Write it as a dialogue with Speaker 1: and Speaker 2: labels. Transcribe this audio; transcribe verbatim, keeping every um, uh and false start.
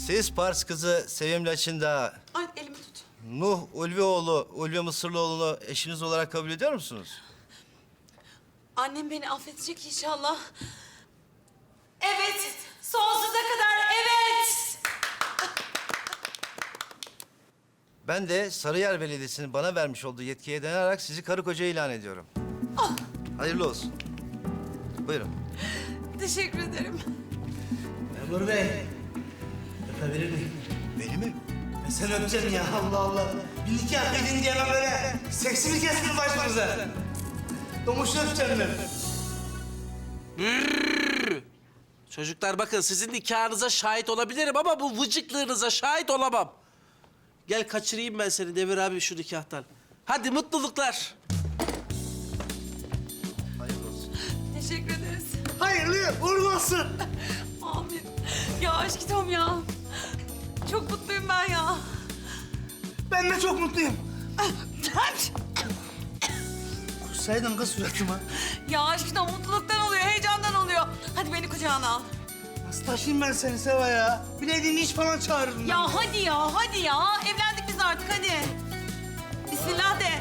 Speaker 1: Siz Pars kızı Sevim Laçın'da
Speaker 2: Ay elimi tut.
Speaker 1: Nuh Ulvioğlu, Ulvi Mısırlıoğlu'nu eşiniz olarak kabul ediyor musunuz?
Speaker 2: Annem beni affedecek inşallah. Evet, sonsuza kadar evet.
Speaker 1: Ben de Sarıyer Belediyesi'nin bana vermiş olduğu yetkiye dayanarak sizi karı koca ilan ediyorum.
Speaker 2: Ah,
Speaker 1: Hayırlı olsun. Buyurun.
Speaker 2: teşekkür ederim.
Speaker 3: Memur Bey, öpebilir miyim?
Speaker 1: Beni mi?
Speaker 3: Ben seni öpeceğim ya, Allah Allah. Bir nikah kıydın diye ben böyle seksi mi kestin başımıza? Domuşunu öpeceğim ben.
Speaker 4: Çocuklar bakın sizin nikahınıza şahit olabilirim ama bu vıcıklığınıza şahit olamam. Gel kaçırayım ben seni Demir abi şu nikahtan. Hadi mutluluklar.
Speaker 1: Hayırlı olsun.
Speaker 2: Teşekkür ederiz.
Speaker 3: Hayırlı uğurlu olsun.
Speaker 2: Amin. Ya aşkım ya. Çok mutluyum ben ya.
Speaker 3: Ben de çok mutluyum. Kussaydın kız suratıma.
Speaker 2: Ya aşkım mutluluktan oluyor, heyecandan oluyor. Hadi beni kucağına al.
Speaker 3: Nasıl taşıyayım ben seni Seva ya? Bilediğin iş falan çağırırım ben.
Speaker 2: Ya hadi ya, hadi ya. Evlendik biz artık hadi. Bismillah de.